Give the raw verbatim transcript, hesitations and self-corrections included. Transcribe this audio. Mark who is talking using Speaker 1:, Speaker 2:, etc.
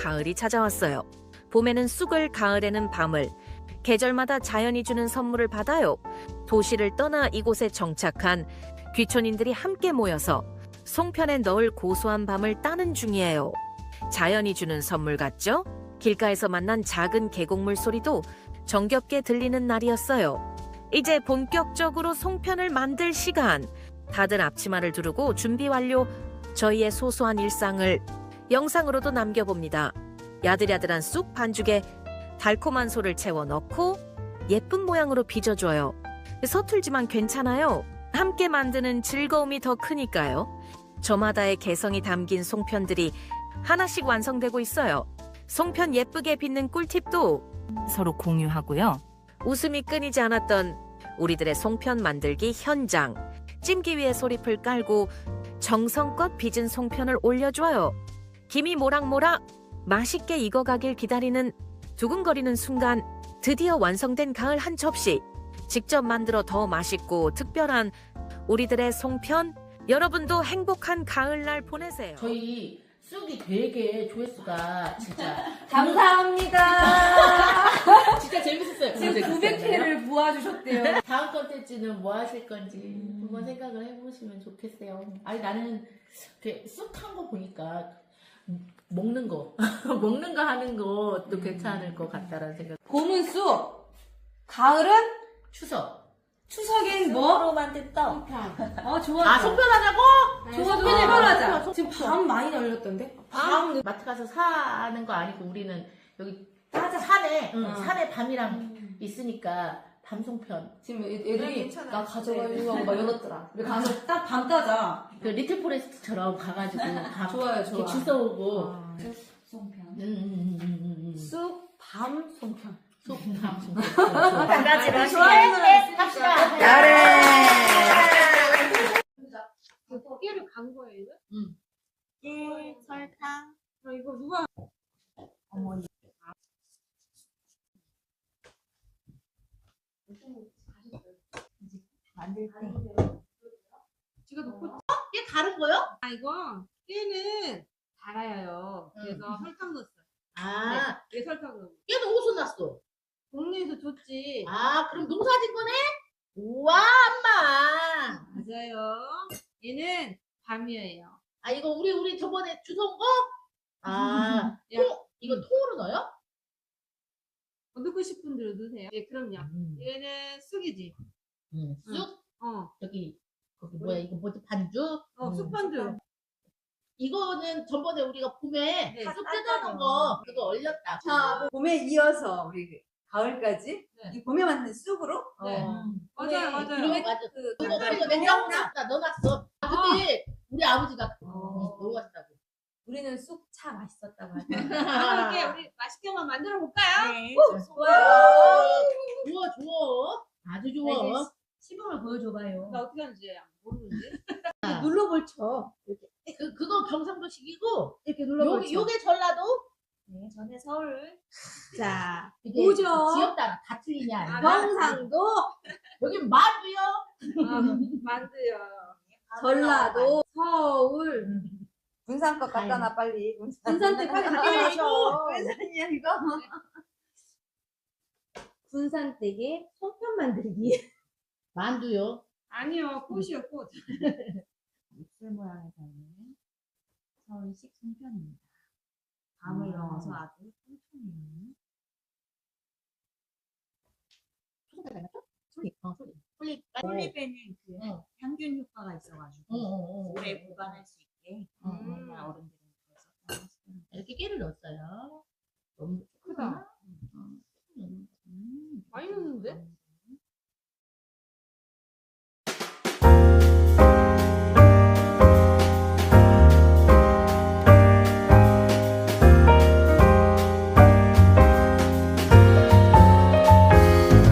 Speaker 1: 가을이 찾아왔어요. 봄에는 쑥을, 가을에는 밤을. 계절마다 자연이 주는 선물을 받아요. 도시를 떠나 이곳에 정착한 귀촌인들이 함께 모여서 송편에 넣을 고소한 밤을 따는 중이에요. 자연이 주는 선물 같죠? 길가에서 만난 작은 계곡물 소리도 정겹게 들리는 날이었어요. 이제 본격적으로 송편을 만들 시간. 다들 앞치마를 두르고 준비 완료. 저희의 소소한 일상을 영상으로도 남겨봅니다. 야들야들한 쑥 반죽에 달콤한 소를 채워 넣고 예쁜 모양으로 빚어줘요. 서툴지만 괜찮아요. 함께 만드는 즐거움이 더 크니까요. 저마다의 개성이 담긴 송편들이 하나씩 완성되고 있어요. 송편 예쁘게 빚는 꿀팁도 서로 공유하고요. 웃음이 끊이지 않았던 우리들의 송편 만들기 현장. 찜기 위에 소리풀 깔고 정성껏 빚은 송편을 올려줘요. 김이 모락모락 맛있게 익어가길 기다리는 두근거리는 순간, 드디어 완성된 가을 한 접시. 직접 만들어 더 맛있고 특별한 우리들의 송편. 여러분도 행복한 가을날 보내세요.
Speaker 2: 저희 쑥이 되게 조회수가 진짜
Speaker 3: 감사합니다.
Speaker 2: 진짜 재밌었어요.
Speaker 3: 지금 구백 회를 모아주셨대요.
Speaker 2: 다음 컨텐츠는 뭐 하실 건지 한번 생각을 해보시면 좋겠어요. 아니 나는 쑥한 거 보니까 먹는 거 먹는 거 하는 것도 괜찮을 것 같다라는 생각.
Speaker 3: 봄은 쑥, 가을은
Speaker 2: 추석.
Speaker 3: 추석엔 뭐?
Speaker 4: 쑥으로 만든 떡.
Speaker 3: 어 좋아.
Speaker 2: 아 송편하자고?
Speaker 3: 좋아,
Speaker 2: 네,
Speaker 3: 송편하자.
Speaker 2: 송-
Speaker 3: 지금
Speaker 2: 송-
Speaker 3: 밤 많이 날렸던데?
Speaker 2: 밤 마트 가서 사는 거 아니고 우리는 여기
Speaker 3: 맞아.
Speaker 2: 산에 응,
Speaker 3: 어.
Speaker 2: 산에 밤이랑 있으니까 밤송편.
Speaker 3: 지금 애- 애들이
Speaker 4: 괜찮아요.
Speaker 3: 나 가져가려고 하고 막 열었더라. 우리 가서 딱 밤 따자.
Speaker 2: 그 리틀 포레스트처럼 가가지고 밤
Speaker 3: 좋아요, 좋아.
Speaker 2: 이렇게 주워오고.
Speaker 3: 아, 송편.
Speaker 2: 음, 음, 음, 음, 음.
Speaker 3: 쑥, 밤, 송편.
Speaker 2: 쑥, 밤, 송편.
Speaker 4: 한 가지로
Speaker 2: 네,
Speaker 4: 하시게.
Speaker 2: 합시다.
Speaker 3: 깨를 간 거예요, 이거?
Speaker 2: 응.
Speaker 4: 예, 설탕.
Speaker 3: 아, 이거 누가?
Speaker 4: 어머니. 만들 때.
Speaker 3: 지가 놓고.
Speaker 2: 이게 다른 거요?
Speaker 3: 아, 이거 깨는 달아요. 그래서 설탕 넣었어요.
Speaker 2: 아,
Speaker 3: 왜 설탕 넣어?
Speaker 2: 얘는 어디서 났어?
Speaker 3: 동네에서 줬지.
Speaker 2: 아, 그럼 농사진 거네? 우와, 엄마.
Speaker 3: 맞아요. 얘는 밤이에요.
Speaker 2: 아, 이거 우리, 우리 저번에 주워온 거? 아,
Speaker 3: 야.
Speaker 2: 통, 이거 통으로 넣어요?
Speaker 3: 어, 넣고 싶은 대로 넣으세요. 예, 그럼요.
Speaker 2: 음,
Speaker 3: 얘는 쑥이지.
Speaker 2: 음, 쑥?
Speaker 3: 어,
Speaker 2: 저기, 거기 뭐야, 이거 뭐지, 반죽?
Speaker 3: 어,
Speaker 2: 음.
Speaker 3: 쑥반죽.
Speaker 2: 이거는 전번에 우리가 봄에
Speaker 3: 네.
Speaker 2: 쑥 뜯어놓은 거, 그거 얼렸다.
Speaker 4: 자, 봄에 이어서 우리 가을까지
Speaker 3: 네.
Speaker 4: 이 봄에 만든 쑥으로.
Speaker 3: 네.
Speaker 4: 어.
Speaker 3: 맞아요,
Speaker 4: 봄에
Speaker 3: 맞아요.
Speaker 2: 그리고 맞아.
Speaker 4: 그
Speaker 2: 이거
Speaker 4: 그
Speaker 2: 이거 냉장고에 다 넣어놨어. 아, 근데 우리 아버지가
Speaker 4: 어.
Speaker 2: 넣어 갔다고.
Speaker 4: 우리는 쑥차 맛있었다고 하죠.
Speaker 3: 이렇게 우리 맛있게만 만들어 볼까요?
Speaker 4: 네,
Speaker 2: 좋아요. 좋아, 좋아. 아주 좋아.
Speaker 4: 시범을 보여줘봐요.
Speaker 3: 나 어떻게 하는지 모르는데.
Speaker 4: 눌러볼 쳐.
Speaker 2: 그, 그거 경상도식이고,
Speaker 4: 이렇게
Speaker 2: 요, 요게 전라도?
Speaker 4: 네, 전에 서울. 자,
Speaker 2: 이게
Speaker 4: 오죠.
Speaker 2: 지역 따라 다 틀리냐.
Speaker 3: 아,
Speaker 2: 아닌가?
Speaker 4: 경상도,
Speaker 2: 여긴 마주요.
Speaker 3: 아, 만두요.
Speaker 4: 전라도, 서울. 군산 것 갖다 놔 빨리. 군산 때 빨리 갖다 놔줘. 군산이야 이거. 군산 댁에 송편 만들기.
Speaker 2: 만두요.
Speaker 3: 아니요, 꽃이요, 꽃.
Speaker 4: 입술 모양에 닮은 서울식 송편입니다. 밤을
Speaker 2: 음.
Speaker 4: 넣어서 아주 튼튼히.
Speaker 2: 소금 닮았죠? 솔잎. 어, 솔잎. 솔잎.
Speaker 4: 솔잎에는 그
Speaker 2: 응.
Speaker 4: 향균 효과가 있어가지고
Speaker 2: 어, 어, 어.
Speaker 4: 오래 보관할 수 있게
Speaker 2: 음.
Speaker 4: 엄마 어른들은 그래서 다 하시더라고요.
Speaker 2: 이렇게 깨를 넣었어요. 너무